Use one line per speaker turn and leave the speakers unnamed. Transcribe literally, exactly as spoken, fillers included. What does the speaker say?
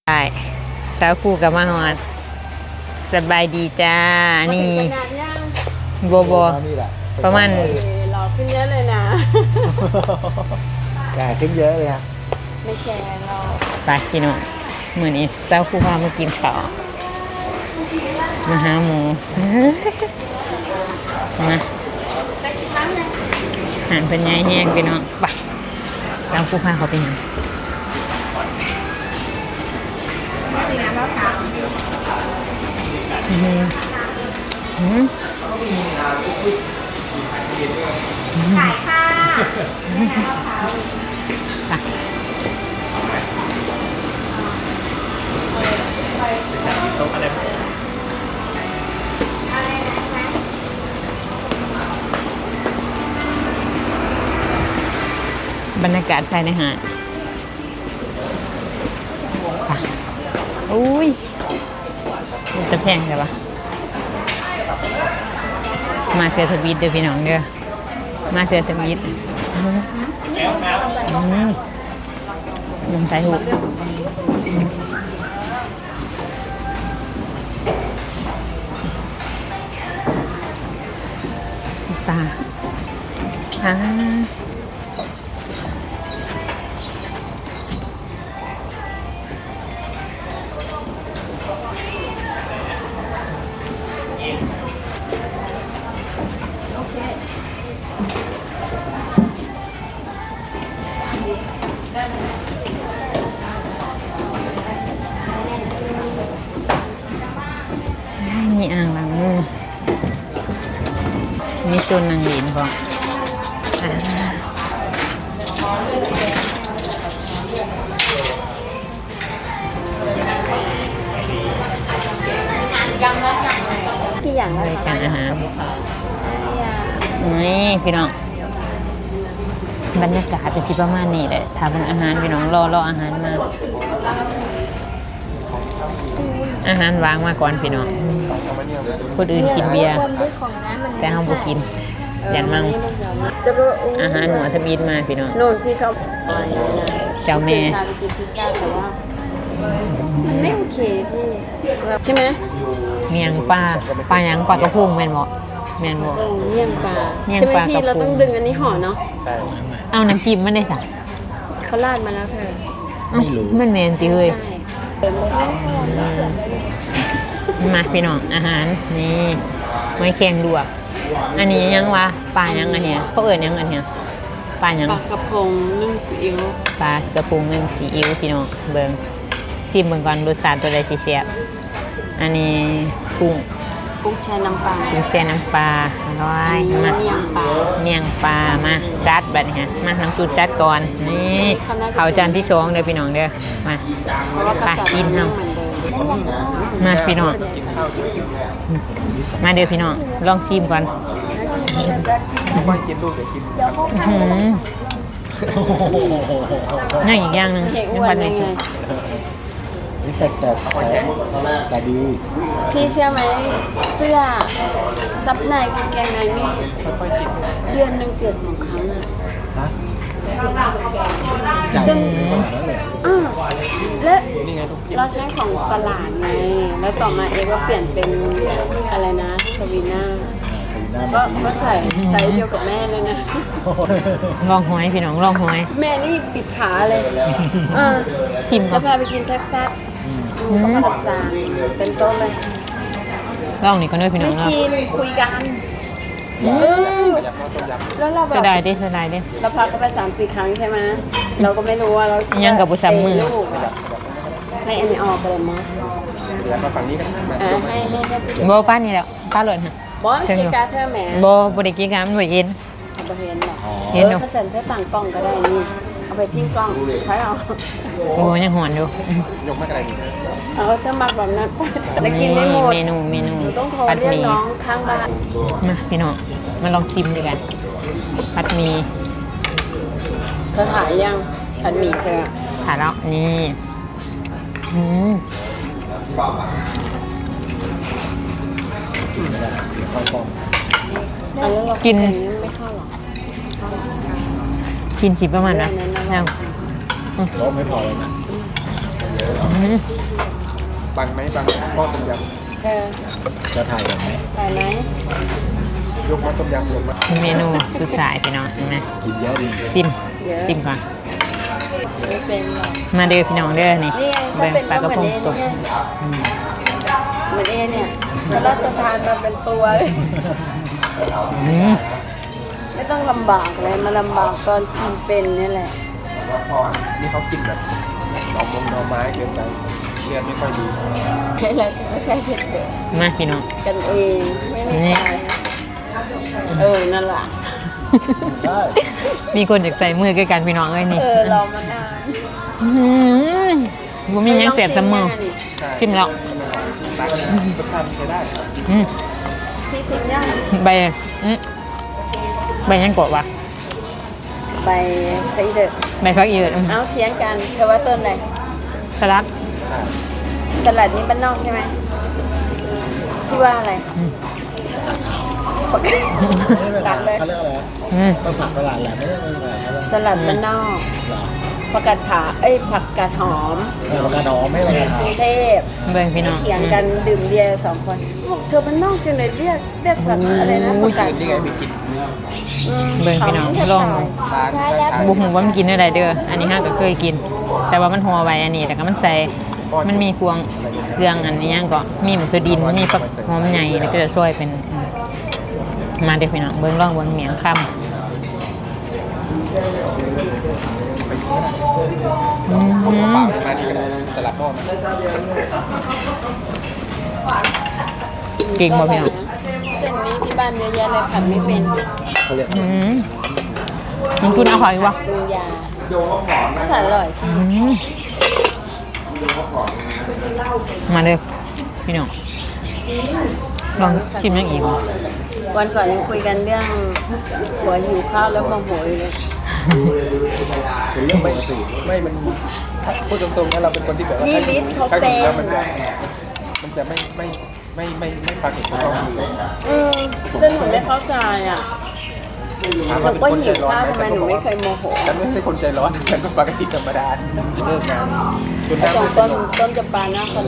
ใช่สาวคู่กับมาฮอดสบายดีจ้านี่โบโบประมาณ
หล่อขึ้นเยอะเลยนะ
แก่ขึ้นเยอะเลยครับ
ไม่แก่หรอก
ไปพี่น้องเหมือนนี้สาวคู่พามากินข้าวมาหาหมูมาหันเป็นไงแห้งพี่น้องไปสาวคู่พาเขาไปยังอืมอืมขายค่ะบรรยากาศภายในหาดอุ้ยจะแพงใช่ปะมาเสือทวีตเด้อพี่น้องเด้อมาเสือทวีตนมไทยหูตาอ่ามีอ่างล้างมือมีโซนนางหลินพอ
กี่อย่าง
รายการอาหารนี่พี่น้องบรรยากาศเป็นจิประมาณนี้แหละถ้าเป็นอาหารพี่น้องรอรออาหารมาอาหารวางมาก่อนพี่น้องคนอื่นกินเบียร์แต่เราบ่กินยันมั่งอาหารหนูทบีนมาพี่น้อง
โน่นพี่เขา
เจ้าแม่
กินพิซซ่าแต่ว่ามันไม่โอเคพี่ใช่ไหม
เมียงปลาปลายังปลากระพุ้งแม่นบ่แม่นบ่
เมี่ยงปลาใช่ไหมพี่เราต้องดึงอันนี้ห่อเนาะ
เอาน้ำจิ้มมาได้จ้ะ
เขาราดมาแล้วเธอ
ไม่รู้มันแม่นติเฮ้ยมาพี่น้องอาหารนี่ไม้แข็งลวกอันนี้ยังวะปลายังอันเนี้ยเขาเอิ้นยังอันเนี้ยปลายัง
ปลากระพงนึ่งซีอิ๊ว
ปลากระพงนึ่งซีอิ๊วพี่น้องเบิ่งชิมเบิ่งก่อนรสชาติตัวใดสิแซ่บอันนี้กุ้ง
กุ้งแช่น้ำปลา
กุ้งแช่น้ำปลาร้อยมา
เมี่ยงปลา
เมี่ยงปลามาจัดบัดนี้ฮะมาน้ำจุดจัดก่อนนี่ข้าวจานที่สองเด้อพี่น้องเด้อมาไปกินเฮามาพี่น้องมาเดี๋ยวพี่น้องลองชิมก่อน
ไม่กินลูกเดี๋ยวกิน
นั่นอีกอย่างหนึ่งยังพันเลย
นี่แต่แต่แต่ดี
พี่เชื่อไหมเสื้อซับในกางเกงในนี่เดือนหนึ่งเกิดสองครั้งอะจนอ่าและเราใช้ของตลาดไงแล้วต่อมาเองก็เปลี่ยนเป็นอะไรนะสวีน่าก็ก็ใส่ไซส์เดียวกับแม่เลยนะ
ลองหอยพี่น้องลองหอย
แม่นี่ปิดขาเลยอ่า
ชิมก่อน
จะพาไปกินแท็กซัสก็มาดักซานเป็นโต๊ะเลย
ลองนี่ก็ด้วยพี่น้อง
เรากินคุยกันแล้วเราแบบ
เสียดายดิเสียดายดิ
เราพักกันไปสามสี่ครั้งใช่ไหมเราก็ไม่รู้ว่าเรา
ยังกับบุษมือ
ให้อันนี้ออกไปเลยมั้ง
เดี๋ยวมาฝั่งนี้กัน
ให้ให้ให้
โบป้านี่แหละป้าหล่นฮะ
บอสกีการเธอแหม
โบโบเด็กกีการหน่วยเอ็น
เอาไปเห็นหรอเห็นหรอเปอร์เซ็นต์ให้ต่างกล้องก็ได้นี่เอาไปทิ้งกล้องใช้เอา
โอ้ยังหอนอยู่
ยกไม่อะไร
เอาถ้ามักแบบนั้นแล้วกินไม่หมด
เมนูเมนู
ต้องโทรเรียกน้องข้างบ้าน
มาพี่น้องมาลองชิมด้วยกันผัดหมี่
เธอถ่ายยังผัดหมี่เธอ
ถ่ายแล้วนี่อืมกิน
ไม่เข้าหรอ
กินสิประมาณนะยัง
รสไม่พอเลยนะ
อืม
บังไหมบังหม้อต้มย
เออ
ำจะถ่ายแบบไหม
ถ่ายไหม
ยกหม้อต้มยำลงมา
เมนูสุดท้ายพี่น้องเห็นไหม
กินเยอะดี
ซิม
เยอะ
ซิมก่อน
ไม่เป็นหรอก
มาเด้อพี่น้องเด้อนี่
นี่ไงถ้า
เบิ่ง
เป็น
ปลากระพง
เห
ต
มือก นเอเหมือนเอเนี่ยพระราชทานมาเป็นตัวเลย
อืม
ไม่ต้องลำบากเลยมาลำบากตอนกินเป็นนี่แหละ
นี่เขากินแบบหน่อมงหน่อไม้เกินไปเลือดไม่ค่อยดี
ให้แล้วก็ใช้เผ็ดเด็ด
มาพี่น้อง
กันเองไม่ไม่ขายเออนั่นแหละ
ได้
มีคนอยากใส่มือใกล้กันพี่น้องเอ้ยนี่
เออรอมานาน
อืมบ่มีหยังเสียบเสมอจิ้มแล้ว
ตักรสชาติใช้ได้
อืม
พี่ชิมย่าง
ใบอืมใบยังกดวะ
ใบไปเด้อ
ใบฟักอีเอิดอืม
เอาเทียงกันเธอว่าต้นอะไร
สลัด
สลัดนี่บ้านนอกใช่ไหมที่ว่าอะไร
อืม
ปักตัดเลย
เขาเรียกอะไร
อืม
ต้นผักตลาดแหละไม่ได้เป็นอะไรเขาเรียก
สลัดบ้านนอก
หรอ
ผักกาดขาเอ้ยผักกาดหอม
เออปากกาดองไม่อะไร
กรุงเทพ
เบิ่งพี่น้อง
เถียงกันดื่มเบียร์สองคนบอกเธอบ้านนอกจังเลยเรียกเรียกผักอะไรนะผักกาด
นี่ไงมีกิน
อืม
เบิ่งพี่น้องลอง
ใช่แล้ว
บุหูว่ามันกินได้เด้ออันนี้ห้าก็เคยกิน แต่ว่ามันหัวไว้อันนี้แต่ก็มันใส่มันมีพวงเครื่องอันนี้ยังก็มีหมูตัวดินมีฝักหอมใหญ่แล้วก็จะช่วยเป็นอืมมาเดี๋ยวพี่น้องเบิ่งลองเบิ่งเหมียงคำอืม
เปล่ามาดีกันสลัดหม้อมา
เก่งบ่พี่น้อง
เส้นนี้ที่บ้านเยอะแยะเลยผัดไม่เป็น
เขาเรียก
อืมมันคุณเอาหอยวะ
ปรุงยาผัดอร่อย
อืมมาเลยพี่น้องลองชิมยังอีกบ่
วันก่อนยังคุยกันเรื่องหัวหิวข้าวแล้วโมโหอยู่เลย
เป็นเรื่องปกติไม่มันพูดตรงๆว่าเราเป็นคนที่แบบว่า
นี่ลิศเขา
ถ้า
เป็
กิน
น
แล้วมันจะมันจะไม่ไม่ไม่ไม่ไม่ฟังเหตุผลของเรา
เออเรื่องหนูไม่เข้าใจอ่ะหนูก็หิวข้าวทำไมหนูไม่เคยโมโห
ฉันไม่ใช่คนใจร้อนฉันก็ปกติธรรมดาเลิกงานจน
แต่
น้ำ
สองต้นต้นจะปลาหน้าคน